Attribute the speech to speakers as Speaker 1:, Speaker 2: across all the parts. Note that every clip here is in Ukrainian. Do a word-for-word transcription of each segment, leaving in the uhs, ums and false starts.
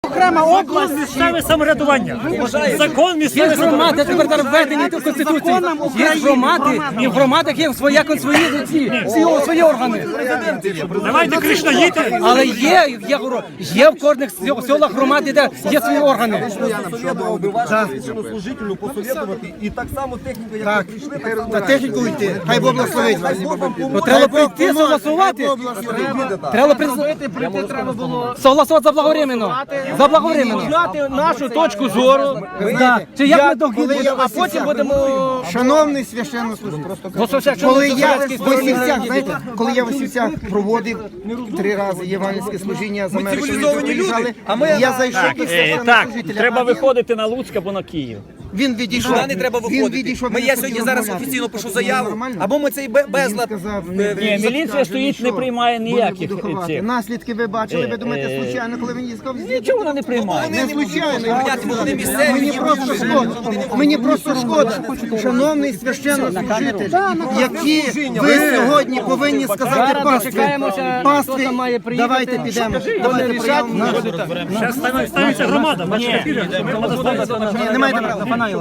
Speaker 1: окрема область.
Speaker 2: Місцеве самоврядування. Закон
Speaker 3: Є
Speaker 2: місцеве
Speaker 3: громади, тепер
Speaker 2: самоврядування.
Speaker 3: зараз введені до Конституції. Є громади, і в громадах є своя свої, ці, всі свої органи.
Speaker 2: Давайте Кришна їдьте.
Speaker 3: Але є, є, горо- є в кожних сел- селах громади, де є свої органи.
Speaker 4: Священнослужителю посоветувати і так само техніку, як
Speaker 1: Так,
Speaker 4: ви прийшли, так само
Speaker 1: на техніку йти. Хай Бог благословить вас.
Speaker 3: Ну, треба прийти согласувати. Треба при- согласувати заблаговременно. Заблаговременно.
Speaker 5: Знати нашу точку зору,
Speaker 3: Да. Чи як ми до
Speaker 1: Коли я
Speaker 5: а потім будемо...
Speaker 1: Шановний священнослужитель,
Speaker 5: Бо священнослужитель
Speaker 1: коли я в
Speaker 5: совєтській стороні
Speaker 1: Осівцях, знаєте, коли я в Осівцях проводив три рази євангельське служіння з Америки,
Speaker 4: цивілізовані люди, а ми-
Speaker 1: я зайшов до
Speaker 6: Так,
Speaker 1: священнослужителя.
Speaker 6: треба
Speaker 1: а він-
Speaker 6: виходити на Луцьк або на Київ.
Speaker 1: Він відійшов.
Speaker 4: Сюди не треба
Speaker 1: Він
Speaker 4: виходити.
Speaker 1: відійшов,
Speaker 4: Ми
Speaker 1: він
Speaker 4: я
Speaker 1: хотів
Speaker 4: сьогодні зараз
Speaker 1: розмовляти.
Speaker 4: офіційно пишу
Speaker 1: Це
Speaker 4: заяву,
Speaker 1: нормально?
Speaker 4: або ми цей бе-
Speaker 1: Він
Speaker 4: безлад...
Speaker 1: сказав,
Speaker 4: е,
Speaker 6: Ні, міліція стоїть, не приймає ніяких цих.
Speaker 1: Наслідки ви бачили, ви
Speaker 6: Е,
Speaker 1: думаєте,
Speaker 6: е,
Speaker 1: случайно, коли він їй сказав?
Speaker 6: Нічого вона не приймає.
Speaker 1: Не случайно.
Speaker 4: вони місцеві,
Speaker 1: Мені
Speaker 4: ні,
Speaker 1: просто шкода. Мені просто шкода, шановний священнослужитель, які ви сьогодні повинні сказати пастві. Пастві, давайте підемо. Давайте приймемо.
Speaker 2: Зараз стане- станеться громада. Бачите, піде. Громада станеться.
Speaker 1: Ні, немає права.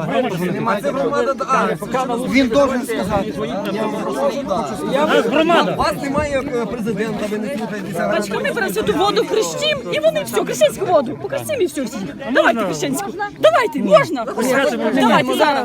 Speaker 1: Він должен сказати.
Speaker 2: Нас громада.
Speaker 4: У вас немає е, президента, ви не слухаєтеся.
Speaker 7: Бачка, ми беремо святу воду, хрестим, і вони все, християнську воду. Покрестим і все всі. Давайте християнську. Давайте, можна? Давайте зараз.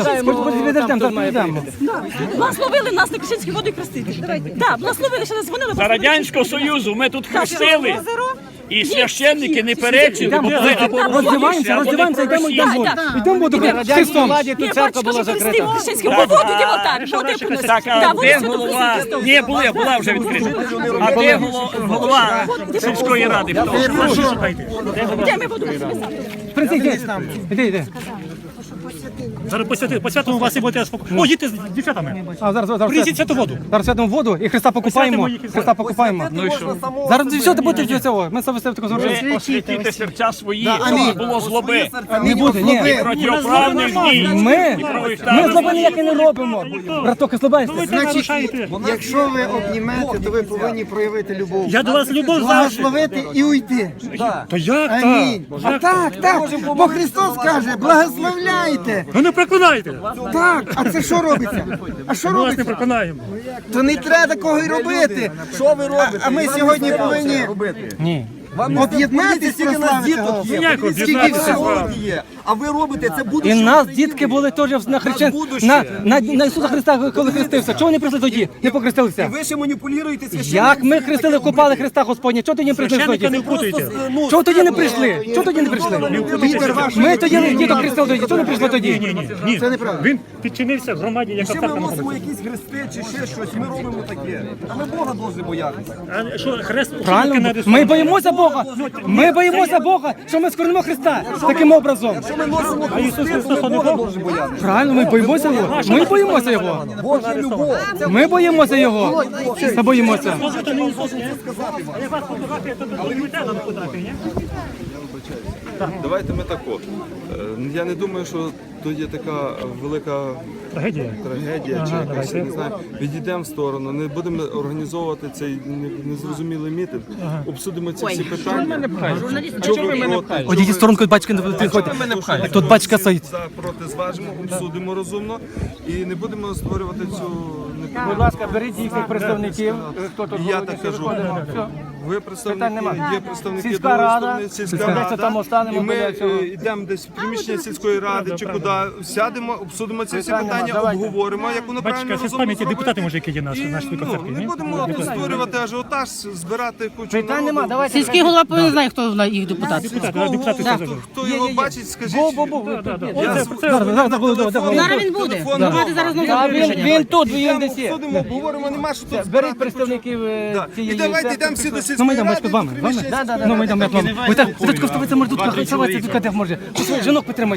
Speaker 7: Благословили нас на християнську воду і хрестити. Так, благословили, ще нас дзвонили.
Speaker 6: За Радянського Союзу ми тут хрестили. І священники не перечили, бо були або
Speaker 3: Роздіваємося, роздіваємося, йдемо, йдемо. Йдемо буду Христом.
Speaker 7: Ні, бачка, що хрестив християнську воду, йдемо так. Води принесли.
Speaker 6: так,
Speaker 7: Да,
Speaker 6: а
Speaker 7: воду
Speaker 6: де
Speaker 7: святу
Speaker 6: голова?
Speaker 7: хрестив.
Speaker 6: Ні, була, була вже відкрита. А де голова, голова сільської ради? Хто?
Speaker 7: Де ми воду принесли?
Speaker 3: Принцип, іди, іди, іди.
Speaker 2: Зараз по святому, по святому вас і будете спокійно. О, їдьте з дівчатами.
Speaker 3: А, зараз, зараз,
Speaker 2: Принесіть святу воду.
Speaker 3: зараз святимо воду і Христа покупаємо.
Speaker 2: Посвятимо їх і
Speaker 3: Христа покупаємо.
Speaker 4: Ну і що?
Speaker 3: Зараз все буде від цього. Ми себе таку зробимо.
Speaker 6: Ви освітите серця свої,
Speaker 1: амінь.
Speaker 6: щоб не було злоби.
Speaker 3: Не буде, ні.
Speaker 6: Протиправних дій.
Speaker 3: Ми,
Speaker 6: правих
Speaker 3: ми
Speaker 6: та-
Speaker 3: злоби ніякі не робимо. Браток, слабаєшся.
Speaker 2: Ви
Speaker 1: Значить,
Speaker 2: нарушаєте.
Speaker 1: якщо ви обнімете, то ви повинні проявити любов.
Speaker 2: Я до вас любов завжди.
Speaker 1: Благословити і уйти.
Speaker 2: То як
Speaker 1: Амінь.
Speaker 2: так?
Speaker 1: А так, так. Бо Христос каже, благословляйте.
Speaker 2: Ви не проклинайте.
Speaker 1: Так, а це що робиться? А що
Speaker 2: Ми вас не
Speaker 1: робиться?
Speaker 2: проконаємо.
Speaker 1: То не треба такого й робити.
Speaker 4: Що ви робите?
Speaker 1: А ми сьогодні повинні
Speaker 4: робити. Вам
Speaker 1: об'єднатися,
Speaker 4: скільки нас
Speaker 1: прославити
Speaker 4: діток
Speaker 1: Його.
Speaker 4: є,
Speaker 2: Ніяк
Speaker 4: скільки
Speaker 2: об'єднатися з
Speaker 4: всього
Speaker 2: вами.
Speaker 4: є, а ви робите це
Speaker 3: І
Speaker 4: будуще.
Speaker 3: нас дітки були теж на хрещен... на, на, на Ісуса Христа, коли хрестився. Чого вони прийшли тоді? Не покрестилися.
Speaker 4: Ви ще маніпулюєте священником.
Speaker 3: Як ми хрестили, купали Христа Господня? Чого тоді не прийшли
Speaker 2: Священника
Speaker 3: тоді?
Speaker 2: не впутуйте.
Speaker 3: Чого тоді не прийшли? Чого тоді не прийшли? Ми тоді не діток хрестили тоді. Чого не прийшли тоді?
Speaker 2: Ні, ні, ні.
Speaker 1: Це неправда.
Speaker 2: Він підчинився громаді, яка
Speaker 4: Ще ми
Speaker 2: церква
Speaker 4: носимо
Speaker 2: знаходиться.
Speaker 4: якісь хрести чи ще щось, ми робимо таке. А ми Бога повинні боятися.
Speaker 2: А що, хрест
Speaker 3: Правильно?
Speaker 2: нарисований?
Speaker 3: Ми боїмося Бога. Ми боїмося Бога, що ми скорнемо Христа таким образом.
Speaker 4: Ми носимо
Speaker 2: А Ісус Христос не
Speaker 4: Бога
Speaker 2: Бог?
Speaker 4: повинні боятися.
Speaker 3: Правильно, ми боїмося Його. Ми боїмося Його.
Speaker 4: Божа любов.
Speaker 3: Ми боїмося Його. Ми боїмося.
Speaker 2: Можете не Ісус, ні? А я вас фотографія, то ви не на фотографії, ні?
Speaker 8: Давайте ми так от. Е, Я не думаю, що то є така велика
Speaker 2: Трагедія.
Speaker 8: трагедія чи якась, я не знаю. Відійдемо в сторону, не будемо організовувати цей не- незрозумілий мітинг. Обсудимо ці всі питання. Чого ви проти?
Speaker 3: Одійдіть в сторонку, батька не підходить. Тут батька стоїть.
Speaker 8: За проти зважимо, обсудимо розумно і не будемо створювати цю
Speaker 5: Будь ласка, беріть їхніх представників. Хто тут
Speaker 8: І я так кажу.
Speaker 5: Все.
Speaker 8: Ви
Speaker 5: Питань
Speaker 8: представники,
Speaker 5: нема.
Speaker 8: є представники
Speaker 5: Сільська
Speaker 8: другої
Speaker 5: рада,
Speaker 8: сторони, сільська
Speaker 5: десь
Speaker 8: рада.
Speaker 5: там останемо
Speaker 8: І ми
Speaker 5: біля цього.
Speaker 8: е, йдемо десь в приміщення сільської ради чи куди, сядемо, обсудимо ці всі
Speaker 5: Питань нема,
Speaker 8: питання,
Speaker 5: давайте.
Speaker 8: обговоримо, як воно правильно
Speaker 2: Бачите, з
Speaker 8: розумно
Speaker 2: пам'яті
Speaker 8: зробити.
Speaker 2: депутати, може, які є наші,
Speaker 8: І,
Speaker 2: наші
Speaker 8: ну,
Speaker 2: концерти,
Speaker 8: не
Speaker 2: ні?
Speaker 8: будемо тут створювати ажіотаж, збирати кучу
Speaker 5: Питань
Speaker 8: народу.
Speaker 5: нема, давайте.
Speaker 9: Сільський голова повинен знає, хто їх депутат.
Speaker 2: Депутати, а депутати
Speaker 8: Хто,
Speaker 2: теж.
Speaker 8: хто його бачить, скажіть.
Speaker 5: Бу-бу-бу.
Speaker 8: Я
Speaker 3: Зараз, зараз, зараз, зараз, зараз.
Speaker 9: Зараз він буде.
Speaker 8: Телефон
Speaker 9: Давайте зараз знову
Speaker 5: А він,
Speaker 9: рішення.
Speaker 5: він тут, він
Speaker 8: Йдемо,
Speaker 5: десь є.
Speaker 8: обсудимо, обговоримо, нема що тут збирати
Speaker 5: Беріть
Speaker 8: кучу.
Speaker 5: представників е,
Speaker 8: Да. І
Speaker 5: цієї
Speaker 8: давайте
Speaker 5: церкви.
Speaker 8: йдемо всі до
Speaker 3: Ну, ми
Speaker 8: сільської
Speaker 3: йдемо,
Speaker 8: ради,
Speaker 3: батько, з вами.
Speaker 8: до
Speaker 3: з вами?
Speaker 8: приміщення
Speaker 5: Да, да, да.
Speaker 3: Ну, ми йдемо, як вам. Ви так, ви так, ви це може тут ховатися, тут каде може. Жінок підтримати.